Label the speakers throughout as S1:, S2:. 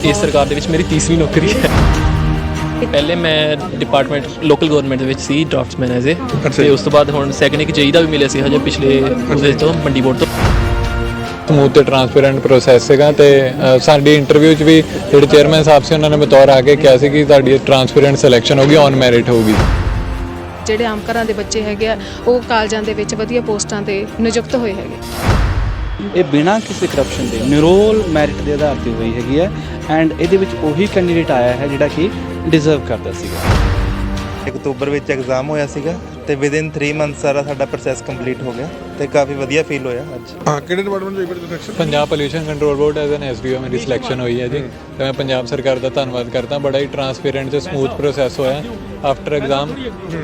S1: इस सरकार ਦੇ ਵਿੱਚ ਮੇਰੀ ਤੀਸਰੀ ਨੌਕਰੀ ਹੈ। ਪਹਿਲੇ ਮੈਂ ਡਿਪਾਰਟਮੈਂਟ ਲੋਕਲ ਗਵਰਨਮੈਂਟ ਦੇ ਵਿੱਚ ਸੀ ਡਰਾਫਟਸਮੈਨ ਐਜ਼ ਏ, ਤੇ ਉਸ ਤੋਂ ਬਾਅਦ ਹੁਣ ਸੈਕੰਡ ਇੱਕ ਜਈ ਦਾ ਵੀ ਮਿਲਿਆ ਸੀ ਹਜੇ ਪਿਛਲੇ ਉਹਦੇ ਤੋਂ ਮੰਡੀ ਬੋਰਡ ਤੋਂ।
S2: ਸਮੂਥ ਤੇ ਟਰਾਂਸਪੇਰੈਂਟ ਪ੍ਰੋਸੈਸ ਸੀਗਾ ਤੇ ਸਾਡੀ ਇੰਟਰਵਿਊ 'ਚ ਵੀ ਜਿਹੜੇ ਚੇਅਰਮੈਨ ਸਾਹਿਬ ਸੀ ਉਹਨਾਂ ਨੇ ਬਤੌਰ ਆ ਕੇ ਕਿਹਾ ਸੀ ਕਿ ਤੁਹਾਡੀ ਟਰਾਂਸਪੇਰੈਂਟ ਸਿਲੈਕਸ਼ਨ ਹੋਗੀ, ਔਨ ਮੈਰਿਟ ਹੋਊਗੀ।
S3: ਜਿਹੜੇ ਆਮ ਘਰਾਂ ਦੇ ਬੱਚੇ ਹੈਗੇ ਆ ਉਹ ਕਾਲਜਾਂ ਦੇ ਵਿੱਚ ਵਧੀਆ ਪੋਸਟਾਂ ਤੇ ਨਿਯੁਕਤ ਹੋਏ ਹੈਗੇ।
S4: ਇਹ ਬਿਨਾਂ ਕਿਸੇ ਕਰਪਸ਼ਨ ਦੇ ਨਿਰੋਲ ਮੈਰਿਟ ਦੇ ਆਧਾਰ ਤੇ ਹੋਈ ਹੈਗੀ ਹੈ ਐਂਡ ਇਹਦੇ ਵਿੱਚ ਉਹੀ ਕੈਂਡੀਡੇਟ ਆਇਆ ਹੈ ਜਿਹੜਾ ਕਿ ਡਿਜ਼ਰਵ ਕਰਦਾ ਸੀਗਾ।
S5: ਅਕਤੂਬਰ ਵਿੱਚ ਐਗਜ਼ਾਮ ਹੋਇਆ ਸੀਗਾ ਤੇ ਵਿਦਿਨ 3 ਮੰਥ ਸਾਡਾ ਪ੍ਰੋਸੈਸ ਕੰਪਲੀਟ ਹੋ ਗਿਆ ਤੇ ਕਾਫੀ ਵਧੀਆ ਫੀਲ ਹੋਇਆ ਅੱਜ।
S6: ਕਿਹੜੇ ਡਿਪਾਰਟਮੈਂਟ ਦੇ selection?
S2: Punjab pollution control board as an SDO ਮੇਰੀ ਸਿਲੈਕਸ਼ਨ ਹੋਈ ਹੈ ਜੀ, ਤੇ ਮੈਂ ਪੰਜਾਬ ਸਰਕਾਰ ਦਾ ਧੰਨਵਾਦ ਕਰਦਾ। ਬੜਾ ਹੀ ਟਰਾਂਸਪੇਰੈਂਟ ਤੇ ਸਮੂਥ ਪ੍ਰੋਸੈਸ ਹੋਇਆ। ਆਫਟਰ ਐਗਜ਼ਾਮ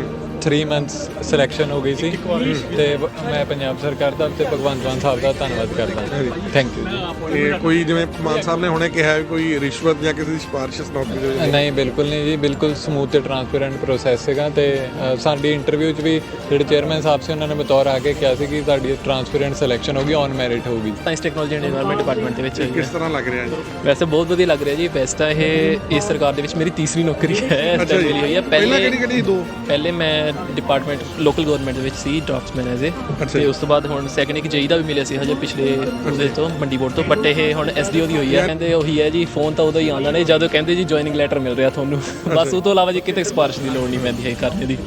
S2: 3 ਮੰਥਸ ਸਿਲੈਕਸ਼ਨ ਹੋ ਗਈ ਸੀ ਤੇ ਮੈਂ ਪੰਜਾਬ ਸਰਕਾਰ ਦਾ ਤੇ ਭਗਵੰਤ ਮਾਨ ਸਾਹਿਬ ਦਾ ਧੰਨਵਾਦ ਕਰਦਾ। ਥੈਂਕ ਯੂ ਜੀ।
S6: ਇਹ ਕੋਈ ਜਿਵੇਂ ਮਾਨ ਸਾਹਿਬ ਨੇ ਹੁਣੇ ਕਿਹਾ ਕੋਈ ਰਿਸ਼ਵਤ ਜਾਂ ਕਿਸੇ ਦੀ ਸਿਫਾਰਿਸ਼ ਨੌਕਰੀ ਦੇ ਵਿੱਚ?
S2: ਨਹੀਂ, ਬਿਲਕੁਲ ਨਹੀਂ ਜੀ, ਬਿਲਕੁਲ ਸਮੂਥ ਤੇ ਟਰਾਂਸਪੇਰੈਂਟ ਪ੍ਰੋਸੈਸ ਸੀਗਾ ਤੇ ਸਾਡੀ ਇੰਟਰਵਿਊ 'ਚ ਵੀ ਜਿਹੜੇ ਚੇਅਰਮੈਨ ਸਾਹਿਬ ਸੀ ਉਹਨਾਂ ਨੇ ਬਤੌਰ ਆ ਕੇ ਕਿਹਾ ਸੀ ਕਿ ਤੁਹਾਡੀ ਟਰਾਂਸਪੇਰੈਂਟ ਸਿਲੈਕਸ਼ਨ ਹੋਗੀ, ਔਨ ਮੈਰਿਟ ਹੋਊਗੀ।
S1: Science technology and environment department ਦੇ ਵਿੱਚ
S6: ਕਿਸ ਤਰ੍ਹਾਂ ਲੱਗ ਰਿਹਾ ਜੀ?
S1: ਵੈਸੇ ਬਹੁਤ ਵਧੀਆ ਲੱਗ ਰਿਹਾ ਜੀ। ਵੈਸੇ ਤਾਂ ਇਹ ਇਸ ਸਰਕਾਰ ਦੇ ਵਿੱਚ ਮੇਰੀ ਤੀਸਰੀ ਨੌਕਰੀ ਹੈ ਇਸ ਟਾਈਮ ਮਿਲੀ ਹੋਈ ਹੈ।
S6: ਕਿਹੜੀ ਦੋ?
S1: ਪਹਿਲੇ ਮੈਂ ਡਿਪਾਰਟਮੈਂਟ ਲੋਕਲ ਗਵਰਨਮੈਂਟ ਦੇ ਵਿੱਚ ਸੀ ਡਰਾਫਟਸਮੈਨ ਐਜ਼ ਏ, ਤੇ ਉਸ ਤੋਂ ਬਾਅਦ ਹੁਣ ਸੈਕੰਡ ਇੱਕ ਜਈ ਦਾ ਵੀ ਮਿਲਿਆ ਸੀ ਹਜੇ ਪਿਛਲੇ ਉਹਦੇ ਤੋਂ ਮੰਡੀ ਬੋਰਡ ਤੋਂ। ਬਟ ਇਹ ਹੁਣ ਐਸਡੀਓ ਦੀ ਹੋਈ ਹੈ। ਕਹਿੰਦੇ ਉਹੀ ਹੈ ਜੀ, ਫੋਨ ਤਾਂ ਉਦੋਂ ਹੀ ਆਉਂਦਾ ਨੇ ਜਦੋਂ ਕਹਿੰਦੇ ਜੀ ਜੁਆਇਨਿੰਗ ਲੈਟਰ ਮਿਲ ਰਿਹਾ ਤੁਹਾਨੂੰ, ਬਸ ਉਹ ਤੋਂ ਇਲਾਵਾ ਜੀ ਕਿਤੇ ਸਿਫਾਰਿਸ਼ ਦੀ ਲੋੜ ਨਹੀਂ ਪੈਂਦੀ ਹੈ ਕਰਨੇ ਦੀ।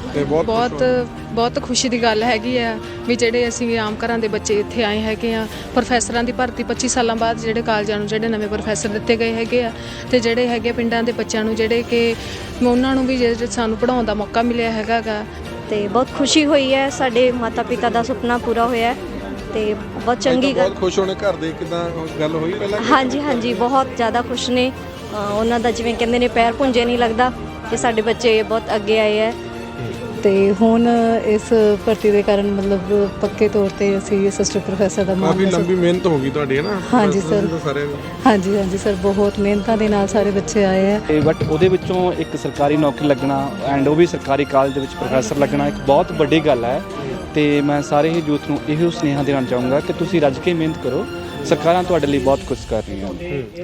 S3: ਬਹੁਤ ਖੁਸ਼ੀ ਦੀ ਗੱਲ ਹੈਗੀ ਆ ਵੀ ਜਿਹੜੇ ਅਸੀਂ ਆਮ ਘਰਾਂ ਦੇ ਬੱਚੇ ਇੱਥੇ ਆਏ ਹੈਗੇ ਆ। ਪ੍ਰੋਫੈਸਰਾਂ ਦੀ ਭਰਤੀ 25 ਸਾਲਾਂ ਬਾਅਦ ਜਿਹੜੇ ਕਾਲਜਾਂ ਨੂੰ ਜਿਹੜੇ ਨਵੇਂ ਪ੍ਰੋਫੈਸਰ ਦਿੱਤੇ ਗਏ ਹੈਗੇ ਆ, ਤੇ ਜਿਹੜੇ ਹੈਗੇ ਪਿੰਡਾਂ ਦੇ ਬੱਚਿਆਂ ਨੂੰ ਜਿਹੜੇ ਕਿ ਉਹਨਾਂ ਨੂੰ ਵੀ ਜਿਹੜੇ ਸਾਨੂੰ ਪੜ੍ਹਾਉਣ ਦਾ ਮੌਕਾ ਮਿਲਿਆ ਹੈਗਾ ਗਾ।
S7: ਤੇ ਬਹੁਤ ਖੁਸ਼ੀ ਹੋਈ ਹੈ, ਸਾਡੇ ਮਾਤਾ ਪਿਤਾ ਦਾ ਸੁਪਨਾ ਪੂਰਾ ਹੋਇਆ ਤੇ ਬਹੁਤ ਚੰਗੀ ਗੱਲ।
S6: ਬਹੁਤ ਖੁਸ਼ ਹੋਣੇ ਘਰ ਦੇ, ਕਿਦਾਂ ਗੱਲ ਹੋਈ ਪਹਿਲਾਂ?
S7: ਹਾਂਜੀ, ਬਹੁਤ ਜ਼ਿਆਦਾ ਖੁਸ਼ ਨੇ। ਉਹਨਾਂ ਦਾ ਜਿਵੇਂ ਕਹਿੰਦੇ ਨੇ ਪੈਰ ਪੁੰਜੇ ਨਹੀਂ ਲੱਗਦਾ ਕਿ ਸਾਡੇ ਬੱਚੇ ਬਹੁਤ ਅੱਗੇ ਆਏ ਹੈ।
S8: ਤੇ ਹੁਣ ਇਸ ਭਰਤੀ ਦੇ ਕਾਰਨ ਮਤਲਬ ਪੱਕੇ ਤੌਰ ਤੇ ਅਸੀਂ ਅਸਿਸਟੈਂਟ ਪ੍ਰੋਫੈਸਰ ਦਾ
S6: ਕਾਫੀ ਲੰਬੀ ਮਿਹਨਤ ਹੋ ਗਈ ਤੁਹਾਡੀ ਹੈ ਨਾ?
S8: ਹਾਂਜੀ ਸਰ, ਹਾਂਜੀ ਸਰ, ਬਹੁਤ ਮਿਹਨਤਾਂ ਦੇ ਨਾਲ ਸਾਰੇ ਬੱਚੇ ਆਏ ਹੈ।
S4: ਬਟ ਉਹਦੇ ਵਿੱਚੋਂ ਇੱਕ ਸਰਕਾਰੀ ਨੌਕਰੀ ਲੱਗਣਾ ਐਂਡ ਉਹ ਵੀ ਸਰਕਾਰੀ ਕਾਲਜ ਦੇ ਵਿੱਚ ਪ੍ਰੋਫੈਸਰ ਲੱਗਣਾ ਇੱਕ ਬਹੁਤ ਵੱਡੀ ਗੱਲ ਹੈ। ਤੇ ਮੈਂ ਸਾਰੇ ਹੀ ਯੂਥ ਨੂੰ ਇਹੋ ਸੁਨੇਹਾ ਦੇਣਾ ਚਾਹੂੰਗਾ ਕਿ ਤੁਸੀਂ ਰੱਜ ਕੇ ਮਿਹਨਤ ਕਰੋ, ਸਰਕਾਰਾਂ ਤੁਹਾਡੇ ਲਈ ਬਹੁਤ ਕੁਝ ਕਰ ਰਹੀਆਂ ਹਨ।